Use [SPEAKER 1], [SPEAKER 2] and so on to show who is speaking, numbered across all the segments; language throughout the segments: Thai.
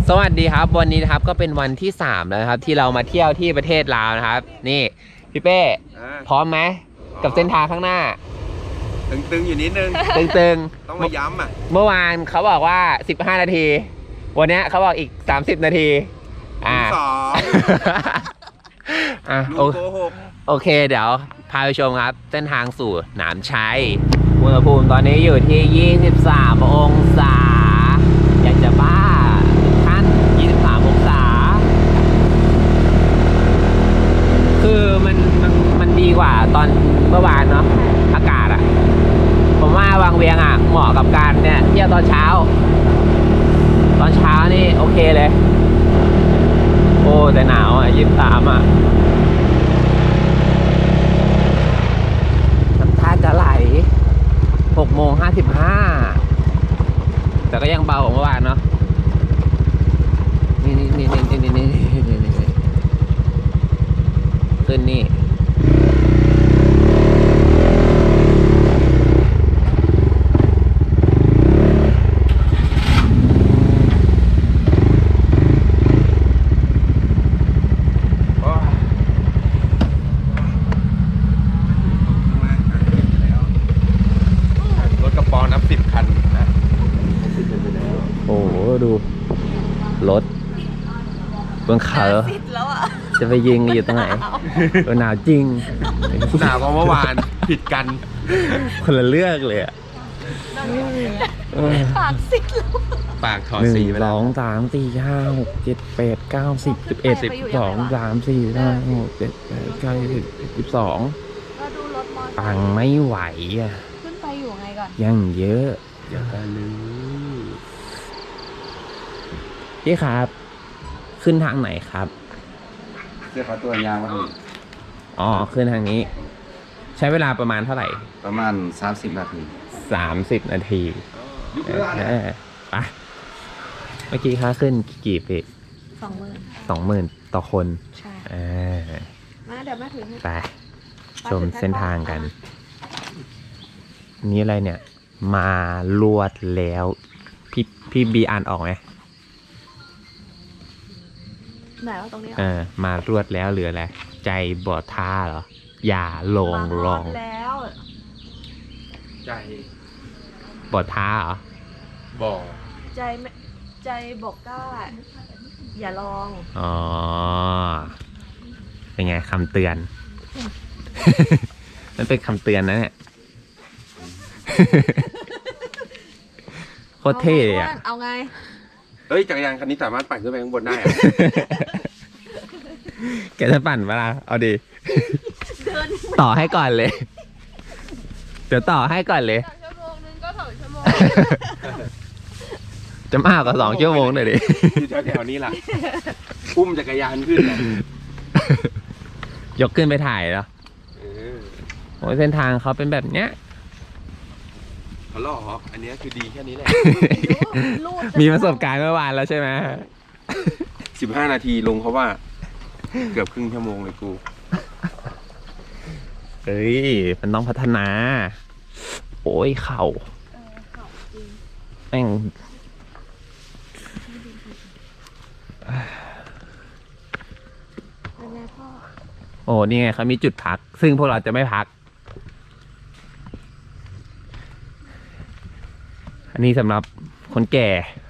[SPEAKER 1] สวัสดีครับวันนี้นะครับก็เป็นวันที่3แล้วนะครับที่เรามาเที่ยวที่ประเทศลาวนะครับนี่พี่เป้พร้อมไหมกับเส้นทางข้างหน้า
[SPEAKER 2] ตึงๆอยู่นิดนึง
[SPEAKER 1] ตึง
[SPEAKER 2] ต้องมาย้ำอ่ะ
[SPEAKER 1] เมื่อวานเขาบอกว่า15นาทีวันนี้เขาบอกอีก30นาที
[SPEAKER 2] สอง
[SPEAKER 1] ลุงโกหกโอเคเดี๋ยวพาไปชมครับเส้นทางสู่หนามชัยอุณหภูมิตอนนี้อยู่ที่23องศาอยากจะบ้าท่าน23องศาคือมันดีกว่าตอนเมื่อวานเนาะอากาศอะผมว่าวังเวียงอะเหมาะกับการเนี่ยเที่ยวตอนเช้านี่โอเคเลยโอ้แต่หนาวอ่ะ23อ่ะน้ำตาจะไหล6:55แต่ก็ยังเบากว่าเมื่อวานเนาะนี่ขึ้นนี่ดูรถบนเขาจะไปยิงอยู่ตรงไหนหนาวจริง
[SPEAKER 2] หนาวกว่าเมื่อวานผิดกัน
[SPEAKER 1] คนละเลือกเลยอ่ะ
[SPEAKER 3] ปากซิดแล้ว
[SPEAKER 2] ปากถอดสีไปแล้ว
[SPEAKER 1] 1 2 3 4 5 6 7 8 9 10 11 12 13 14 15 16 17 18 19 20 22ตังไม่ไหวอ่ะ
[SPEAKER 3] ขึ้นไปอยู่ไงก่อน
[SPEAKER 1] ยังเยอะ
[SPEAKER 2] อย่าไปลืม
[SPEAKER 1] พี่ครับขึ้นทางไหนครับ
[SPEAKER 2] เสื้อขาตัวยางมาถึง
[SPEAKER 1] อ๋อขึ้นทางนี้ใช้เวลาประมาณเท่าไหร่
[SPEAKER 2] ประมาณ30นาที
[SPEAKER 1] 30นาทีไปเมื่อกี้ค่าขึ้นกี่ปี20,000ต่อคน
[SPEAKER 3] ใช่
[SPEAKER 1] มา
[SPEAKER 3] เดี๋ยวมาถึง
[SPEAKER 1] ไปชมเส้นทางกันนี่อะไรเนี่ยมาลวดแล้วพี่บีอ่านออกไหม
[SPEAKER 3] ไหนว่าตรงนี้
[SPEAKER 1] มารวดแล้วเหลืออะไรใจบอดท่าเหรออย่าลอง
[SPEAKER 3] แล้ว
[SPEAKER 2] ใจ
[SPEAKER 1] บอดท่าเหรอ
[SPEAKER 2] บอก
[SPEAKER 3] ใจบอกกล้าอย่าลอง
[SPEAKER 1] อ๋อเป็นไงคำเตือนมันเป็นคำเตือนนะเนี่ยโคตรเท่เลยอ่ะ
[SPEAKER 3] เอาไง
[SPEAKER 2] เฮ้ยจักรยานคันนี้สามารถปั่นขึ้นไปข้างบนได้
[SPEAKER 1] แกจะปั่นเวลาเอาดิต่อให้ก่อนเลยเดี๋ยวต่อให้ก่อนเลย
[SPEAKER 3] ชั่วโมงนึงก็2 ชั่วโมง
[SPEAKER 1] จะมากกว่า2 ชั่วโมงหน่อยดิ
[SPEAKER 2] อยู่แถวนี้ล่ะอุ้มจักรยานขึ้น
[SPEAKER 1] ยกขึ้นไปถ่ายแล้วโอ้เส้นทางเขาเป็นแบบเนี้ย
[SPEAKER 2] เขาหลอกอันนี้คือดีแค่นี้แหละ
[SPEAKER 1] มีประสบการณ์เมื่อวานแล้วใช่ไหม
[SPEAKER 2] 15นาทีลงเขาว่าเกือบครึ่งชั่วโมงเลยกู
[SPEAKER 1] เฮ้ยมันต้องพัฒนาโอ้ยเข่าแม่งโอ้นี่ไงเขามีจุดพักซึ่งพวกเราจะไม่พักอันนี้สำหรับคนแก่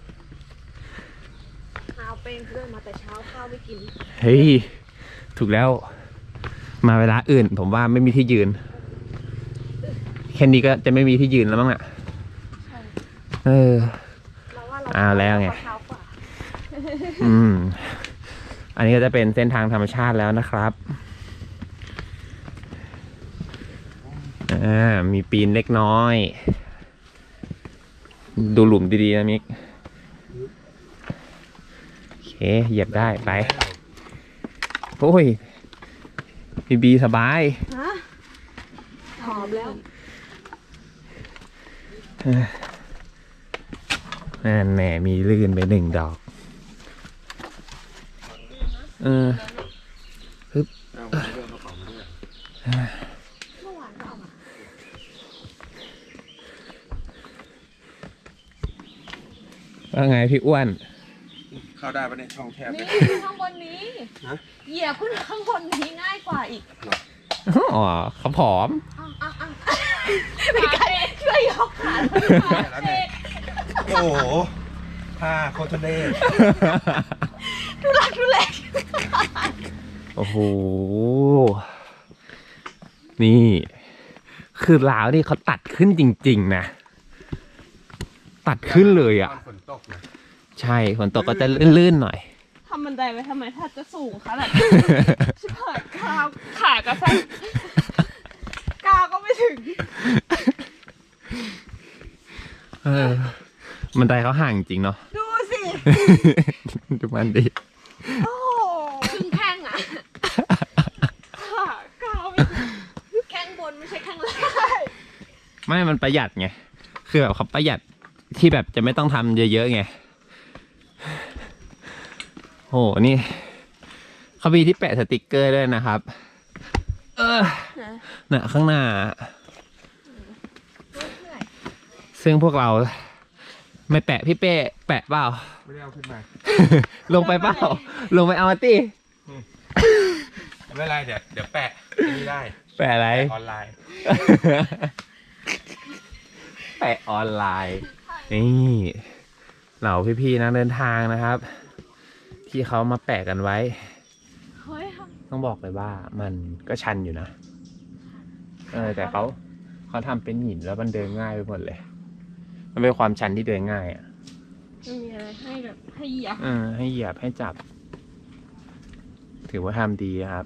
[SPEAKER 3] ข้าวเป็นเพื่อนมาแต่เช้าข้าวไม่กิน
[SPEAKER 1] เฮ้ยถูกแล้วมาเวลาอื่นผมว่าไม่มีที่ยืนแค่นี้ก็จะไม่มีที่ยืนแล้วมั้งอ่ะแล้วไงอันนี้ก็จะเป็นเส้นทางธรรมชาติแล้วนะครับมีปีนเล็กน้อยดูหลุมดีๆนะมิกโอเคเหยียบได้ไปโอ้ยบีสบาย
[SPEAKER 3] หอมแล้ว
[SPEAKER 1] แหน่มีลื่นไป1 ดอกฮึบว่าไงพี่อ้วน
[SPEAKER 2] เข้าได้ปะเนี่ยช่องแคบ
[SPEAKER 3] นี่
[SPEAKER 2] เนี่ย
[SPEAKER 3] ขึ้นข้างบนนี้
[SPEAKER 2] ฮะ
[SPEAKER 3] เหยียบขึ้นข้างบนนี้ง่ายกว่าอีก
[SPEAKER 1] อ๋อเขาผอม
[SPEAKER 3] ไม่ไกลช่วยยกขา
[SPEAKER 2] แล้วไงโอ้โหท่าโคตรเล่
[SPEAKER 3] ทุลักทุเล
[SPEAKER 1] โอ้โห นี่ คือล้าวนี่เขาตัดขึ้นจริงๆนะ ตัดขึ้นเลยอ่ะ
[SPEAKER 2] ฝนตกนะ
[SPEAKER 1] ใช่ฝนตกก็จะลื่นๆหน่อย
[SPEAKER 3] ทำบันไดไว้ทำไมถ้าจะสูงขนาดนี้ชิบหายขากระแทกกาก็ไม่ถึง
[SPEAKER 1] เออบันไดเขาห่างจริงเนาะ
[SPEAKER 3] ดูสิ
[SPEAKER 1] ดูมันดิ
[SPEAKER 3] โอ้ครึ่งแข้งอ่ะขากาไม่ถึงแข้งบนไม่ใช่แข้งล่าง
[SPEAKER 1] ไม่ มันประหยัดไง คือแบบเขาประหยัดที่แบบจะไม่ต้องทำเยอะๆไง โห นี่เขามีที่แปะสติกเกอร์ด้วยนะครับ น่ะข้างหน้า ซึ่งพวกเราไม่แปะพี่เป้แปะเปล่า
[SPEAKER 2] ไม่ได้เอาขึ้นมา
[SPEAKER 1] ลงไปเปล่า ลงไปเอามาติ
[SPEAKER 2] ไม่เป็นไรเดี๋ยวแปะนี่ได้
[SPEAKER 1] แปะอะไร
[SPEAKER 2] ออนไลน์
[SPEAKER 1] แปะออนไลน์ นี่เหล่าพี่ๆนักเดินทางนะครับ ที่เขามาแปะกันไว้
[SPEAKER 3] เฮ้ย
[SPEAKER 1] ต้องบอกเลยว่ามันก็ชันอยู่นะ แต่เขาทำเป็นหินแล้วมันเดินง่ายไปหมดเลย มันเป็นความชันที่เดินง่ายอ่ะ
[SPEAKER 3] มันมีอะไรให้แบบให้เหยียบ
[SPEAKER 1] ให้เหยียบให้จับ ถือว่าทำดีครับ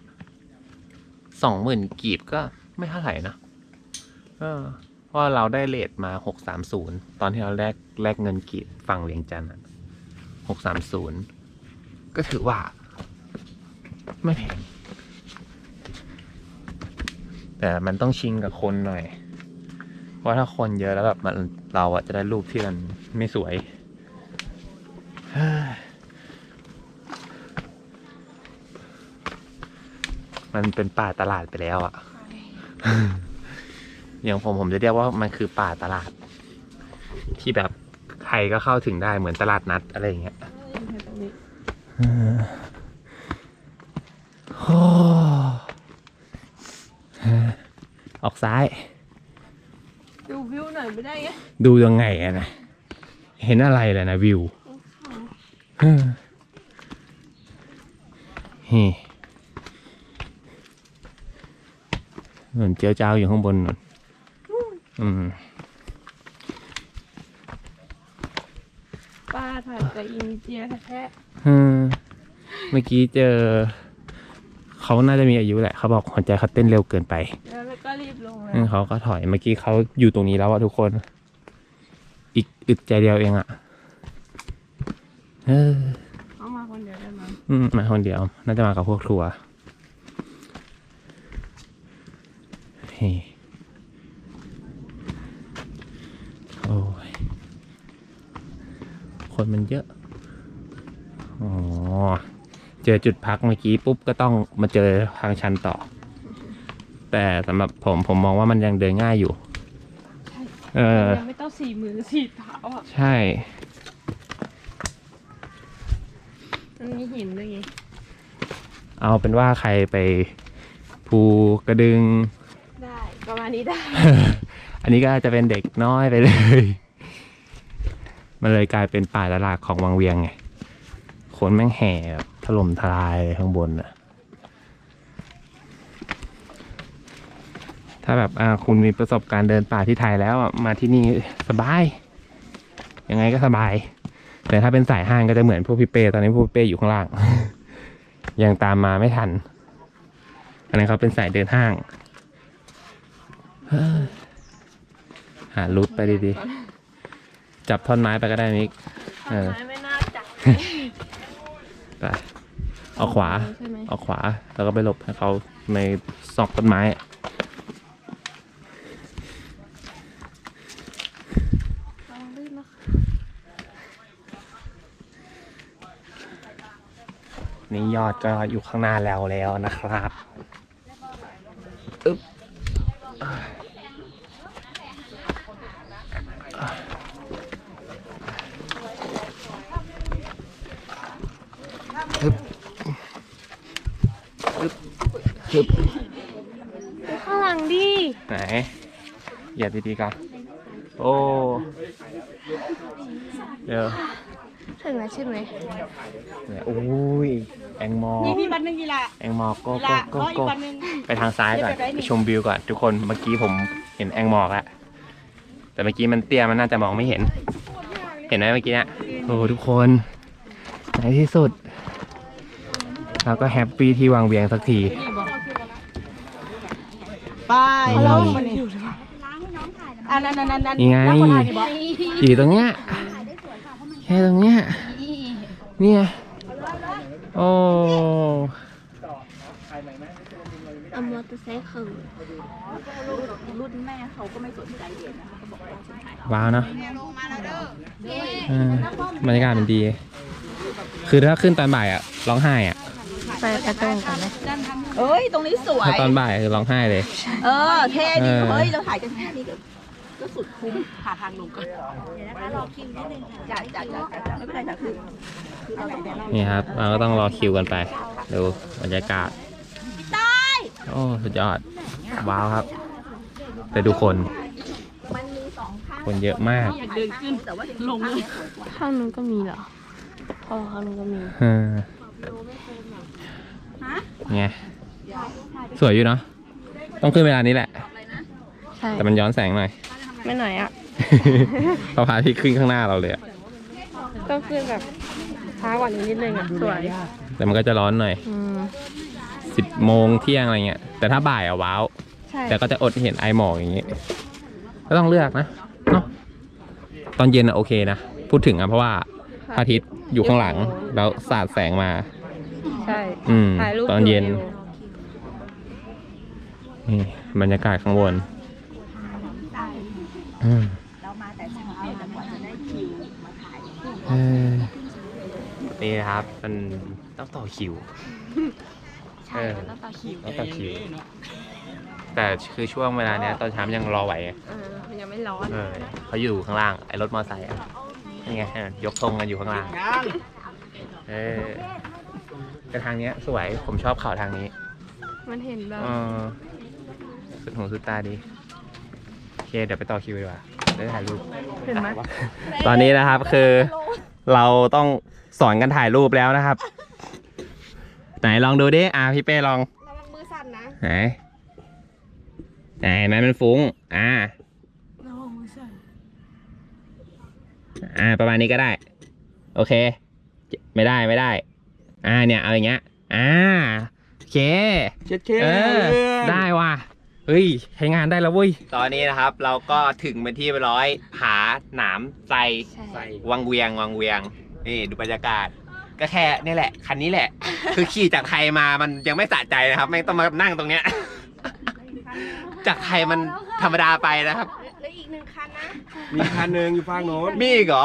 [SPEAKER 1] 20,000 กีบก็ไม่เท่าไหร่นะเพราะเราได้เรทมา630ตอนที่เราแลกเงินกีบฝั่งเวียงจันทร์630ก็ถือว่า ไม่แพงแต่มันต้องชิงกับคนหน่อย เพราะถ้าคนเยอะแล้วแบบเราอะจะได้รูปที่มันไม่สวย มันเป็นป่าตลาดไปแล้วอะอย่างผมจะเรียกว่ามันคือป่าตลาด ที่แบบใครก็เข้าถึงได้เหมือนตลาดนัดอะไรอย่างเงี้ยออกซ้าย
[SPEAKER 3] ดูวิวหน่อยไม่ได้ไง
[SPEAKER 1] ดูยังไงอะนะ เห็นอะไรเลยนะวิวนี่เหมือนเจียวเจ้าอยู่ข้างบนนู่น
[SPEAKER 3] ป้าถ่ายจากอินเดียแท้
[SPEAKER 1] เมื่อกี้เจอ เขาน่าจะมีอายุแหละ เขาบอกหัวใจเขาเต้นเร็วเกินไป
[SPEAKER 3] แล้วก็รีบลงเลย
[SPEAKER 1] เขาก็ถอย เมื่อกี้เขาอยู่ตรงนี้แล้วอะทุกคน อีกอึดใจเดียวเองอะ
[SPEAKER 3] เขามาคนเดียวได้มั้ง
[SPEAKER 1] มาคนเดียว น่าจะมากับพวกทัวร์โอ้ย คนมันเยอะ อ๋อ เจอจุดพักเมื่อกี้ปุ๊บก็ต้องมาเจอทางชันต่อ แต่สำหรับผมมองว่ามันยังเดินง่ายอยู่
[SPEAKER 3] ยังไม่ต้อง4 มือ4 เท้าอ่ะ
[SPEAKER 1] ใช่
[SPEAKER 3] มันมีหินด้วยไง
[SPEAKER 1] เอาเป็นว่าใครไปภูกระดึง
[SPEAKER 3] ได้ประมาณนี้ได้
[SPEAKER 1] อันนี้ก็จะเป็นเด็กน้อยไปเลย มันเลยกลายเป็นป่าตลาดของวังเวียงไง คนแม่งแห่แบบถล่มทลายข้างบนอะถ้าแบบคุณมีประสบการณ์เดินป่าที่ไทยแล้วมาที่นี่สบาย ยังไงก็สบาย แต่ถ้าเป็นสายห้างก็จะเหมือนพวกพี่เป้ตอนนี้พวกพี่เป้อยู่ข้างล่าง ยังตามมาไม่ทัน อันนั้นเขาเป็นสายเดินห้าง หารูทไปดีๆ จับท่อนไม้ไปก็ได้มิก
[SPEAKER 3] ต้นไม้ไม่น่าจับ
[SPEAKER 1] ไปเอาขวา
[SPEAKER 3] ใช่ไหม
[SPEAKER 1] เอาขวา แล้วก็ไปหลบให้เขาในซอกต้นไม้
[SPEAKER 3] ลองลื่นนะคะ
[SPEAKER 1] นี่ยอดก็อยู่ข้างหน้าแล้วนะครับอึ๊บฮึบฮึบ
[SPEAKER 3] ข้างหลังดิ
[SPEAKER 1] ไหนเหยียบดีๆกันโอ้เดี๋ยว
[SPEAKER 3] ถึงแล้วใช่ไหม
[SPEAKER 1] เนี่ยโอ้ยแองมอ
[SPEAKER 3] นี่บันหนึ่งกีฬา
[SPEAKER 1] แองมอโก้
[SPEAKER 3] กีฬา
[SPEAKER 1] โก้
[SPEAKER 3] ก็อี
[SPEAKER 1] โก้
[SPEAKER 3] กบันหนึ่ง
[SPEAKER 1] ไปทางซ้ายก่อนไปชมวิวก่อนทุกคนเมื่อกี้ผมเห็นแองมอกแล้วแต่เมื่อกี้มันเตี้ยมันน่าจะมองไม่เห็น เห็นไหมเมื่อกี้เนี่ยโอ้ทุกคนในที่สุดเราก็แฮปปี้ที่วางเวียงสักที
[SPEAKER 3] ไปแล้วอันนั้น
[SPEAKER 1] นี่ไงอยู่ตรงเนี้ยแค่ตรงเนี้ยเนี่ยโอ้
[SPEAKER 3] เอามอเตอร์ไซค์คือรุ่นแม่เขาก็ไม่สนใจเด็กนะเขาบอกว่าฉันถ่าย
[SPEAKER 1] ว้าวเนาะบรรยากาศมันดี คือถ้าขึ้นตอนบ่ายอะร้องไห้อะ
[SPEAKER 3] ไปตรงกันไหมเอ้ยตรงนี้สวย
[SPEAKER 1] ถ้าตอนบ่ายคือร้องไห้เลย
[SPEAKER 3] เท่ดีเฮ้ยเราถ่ายกันแค่นี้ก็สุดคุ้มหาทางลงก่อนเดี๋ยวนะคะรอคิวนิดนึงค่ะจ้าไม่เป็นไรจ้ะคืออะไรเดี๋ยวเรา
[SPEAKER 1] นี่ครับเราก็ต้องรอคิวกันไปดูบรรยากาศโอ้สุดยอดว้าวครับแต่ดูคนเยอะมาก
[SPEAKER 3] อยากเดินขึ้นแต่ว่าลงเลยข้างนู้นก็มีเหรอข้างนู้นก็มี
[SPEAKER 1] ไงสวยอยู่เนาะต้องขึ้นเวลานี้แหละ
[SPEAKER 3] ใช่
[SPEAKER 1] แต่มันย้อนแสงหน่อย
[SPEAKER 3] ไม่หน่อยอ่ะ
[SPEAKER 1] เราพาที่ขึ้นข้างหน้าเราเลยอะ
[SPEAKER 3] ต้องขึ้นแบบช้ากว่านี้นิดนึงอ่ะสวย
[SPEAKER 1] แต่มันก็จะร้อนหน่อย 10 โมงเที่ยงอะไรเงี้ยแต่ถ้าบ่ายอะว้าว
[SPEAKER 3] ใช่
[SPEAKER 1] แต่ก็จะอดเห็นไอหมอกอย่างงี้ก็ต้องเลือกนะเนาะตอนเย็นอะโอเคนะพูดถึงอะเพราะว่าพระอาทิตย์อยู่ข้างหลังแล้วสาดแสงมา
[SPEAKER 3] ใช่ ถ่ายรูป
[SPEAKER 1] ตอนเย็นนี่บรรยากาศข้างบน
[SPEAKER 3] เรามาแต่เช้าแต่กว่าจะได้คิวมาถ่าย
[SPEAKER 1] นี่นะครับมันต้องต่อคิว
[SPEAKER 3] ใช่ต้องต่อคิว
[SPEAKER 1] ต้องต่อคิว แต่คือช่วงเวลาเนี้ยตอนเช้ายังรอไหวไง
[SPEAKER 3] มันยังไม่ร้อน
[SPEAKER 1] เขาอยู่ข้างล่างไอ้รถมอไซค์อ่ะนี่ไงยกธงกันอยู่ข้างล่างแต่ทางเนี้ยสวยผมชอบเขาทางนี้
[SPEAKER 3] มันเห็นแบบ
[SPEAKER 1] สุดหูสุดตาดีโอเคเดี๋ยวไปต่อคิวดีกว่าได้ถ่ายรูป
[SPEAKER 3] เห็นไหม
[SPEAKER 1] ตอนนี้นะครับคือเราต้องสอนกันถ่ายรูปแล้วนะครับ ไหนลองดูดิพี่เป้ลอง
[SPEAKER 3] ระวังมือสั่นนะ
[SPEAKER 1] ไหนเห็นไหมมันฟุ้ง
[SPEAKER 3] ระวังมือสั่น
[SPEAKER 1] ประมาณนี้ก็ได้โอเคไม่ได้เนี่ยเอาอย่างเงี้ยโอเค
[SPEAKER 2] เช็ดเค
[SPEAKER 1] ได้ว่ะเฮ้ยใช้งานได้แล้วเว้ยตอนนี้นะครับเราก็ถึงเป็นที่ร้อยผาหนามไทร
[SPEAKER 3] ใช่
[SPEAKER 1] วังเวียงนี่ดูบรรยากาศก็แค่นี่แหละคันนี้แหละ คือขี่จากไทยมามันยังไม่สะใจนะครับไม่ต้องมานั่งตรงเนี้ย จากไทยมันธรรมดาไปนะครับ
[SPEAKER 3] แล้วอีกหนึ่งคันนะ
[SPEAKER 2] มีคันหนึ่งอยู่ฝั่งโน้น
[SPEAKER 1] มีอีกเหรอ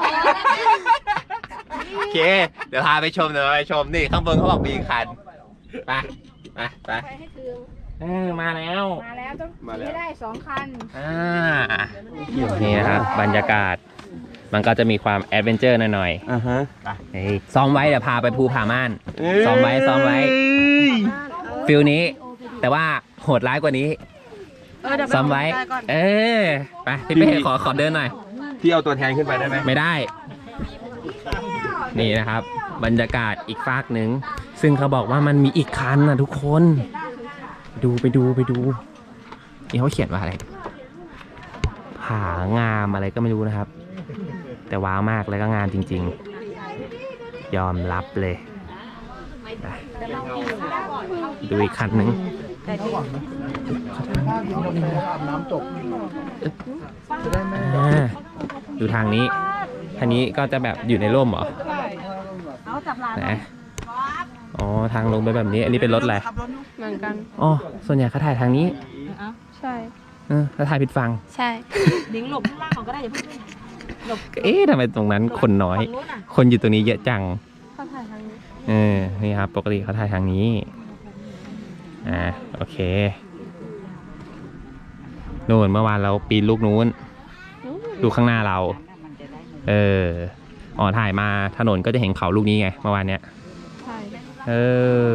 [SPEAKER 1] โอเคเดี๋ยวพาไปชมนี่ข้างบนเขาบอกมีอีกคันไป
[SPEAKER 3] ไปให้ถึง
[SPEAKER 1] มาแล้ว
[SPEAKER 3] ต้องขี่ให้ได้2 คัน
[SPEAKER 1] นี่นะครับบรรยากาศมันก็จะมีความแอดเวนเจอร์หน่อย
[SPEAKER 2] ฮะ
[SPEAKER 1] ๆซ้อมไว้เดี๋ยวพาไปภูผาม่านซ้อมไว้ฟิลนี้แต่ว่าโหดร้ายกว่านี้ซ้อมไว้ไปพี่เป้ขอเดินหน่อย
[SPEAKER 2] พี่เอาตัวแทนขึ้นไปได้ไหม
[SPEAKER 1] ไม่ได้นี่นะครับบรรยากาศอีกฟากหนึ่งซึ่งเขาบอกว่ามันมีอีกคันนะทุกคนไปดูนี่เขาเขียนว่าอะไรผางามอะไรก็ไม่รู้นะครับแต่ว้าวมากแล้วก็งามจริงๆยอมรับเลยดูอีกคันหนึ่งดูทางนี้ทางนี้ก็จะแบบอยู่ในร่มเหรอนะอ๋อทางลงไปแบบนี้อันนี้เป็นรถอะไร
[SPEAKER 3] เหมือนกัน
[SPEAKER 1] อ๋อส่วนใหญ่เขาถ่ายทางนี้
[SPEAKER 3] ใช่
[SPEAKER 1] แล้วถ่ายผิดฝั่ง
[SPEAKER 3] ใช่ดิ้งหลบข้างล่างก็ได้อย่าเพิ่งหลบ
[SPEAKER 1] ทำไมตรงนั้นคนน้อย คนอยู่ตรงนี้เยอะจัง
[SPEAKER 3] เขาถ่ายทางนี้
[SPEAKER 1] นี่ครับปกติเขาถ่ายทางนี้โอเคนู่นเมื่อวานเราปีนลูกนู้นดูข้างหน้าเราถ่ายมาถนนก็จะเห็นเขาลูกนี้ไงเมื่อวานเนี้ยเออ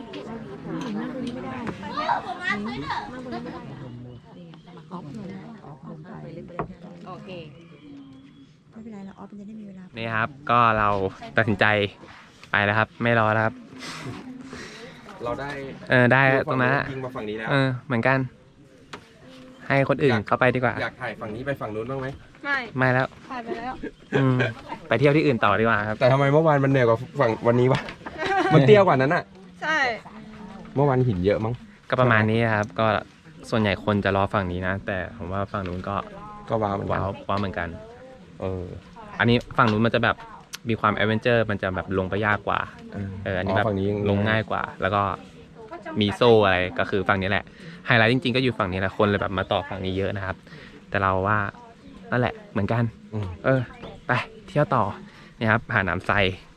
[SPEAKER 3] โอเคไม่เป็นไรเราออฟมันจะได้มีเวลา
[SPEAKER 1] นี่ครับ ก็เราตัดสินใจไปแล้วครับ ไม่รอแล้วครับ
[SPEAKER 2] เราได้
[SPEAKER 1] ได้ตรงนั้นอะ
[SPEAKER 2] ยิงมาฝั่งนี้แล้ว
[SPEAKER 1] เหมือนกัน ให้คนอื่นเข้าไปดีกว่า
[SPEAKER 2] อยากถ่ายฝั่งนี้ไปฝั่งนู้นบ้างไหม
[SPEAKER 1] ไม่แล้ว
[SPEAKER 3] ถ่ายไปแล้ว
[SPEAKER 1] ไปเที่ยวที่อื่นต่อดีกว่าครับ
[SPEAKER 2] แต่ทำไมเมื่อวานมันเหนื่อยกว่าฝั่งวันนี้วะ มันเตี้ยกว่านั้นอะ
[SPEAKER 3] ใช่
[SPEAKER 2] เมื่อวานหินเยอะมั้ง
[SPEAKER 1] ก็ประมาณนี้ครับ ก็ส่วนใหญ่คนจะรอฝั่งนี้นะ แต่ผมว่าฝั่งนู้นก็
[SPEAKER 2] ก็ว้าวเหมือนกัน
[SPEAKER 1] ว้าวเหมือนกัน อันนี้ฝั่งนู้นมันจะแบบมีความแอดเวนเจอร์มันจะแบบลงไปยากกว่า อันนี้แบบ
[SPEAKER 2] ฝั่งนี้
[SPEAKER 1] ลงง่ายกว่า แล้วก็มีโซ่อะไรก็คือฝั่งนี้แหละ ไฮไลท์จริงๆก็อยู่ฝั่งนี้แหละคนเลยแบบมาต่อฝั่งนี้เยอะนะครับ แต่เราว่านั่นแหละเหมือนกัน
[SPEAKER 2] อืม
[SPEAKER 1] ไปเที่ยวต่อนี่ครับหาดน้ำไทร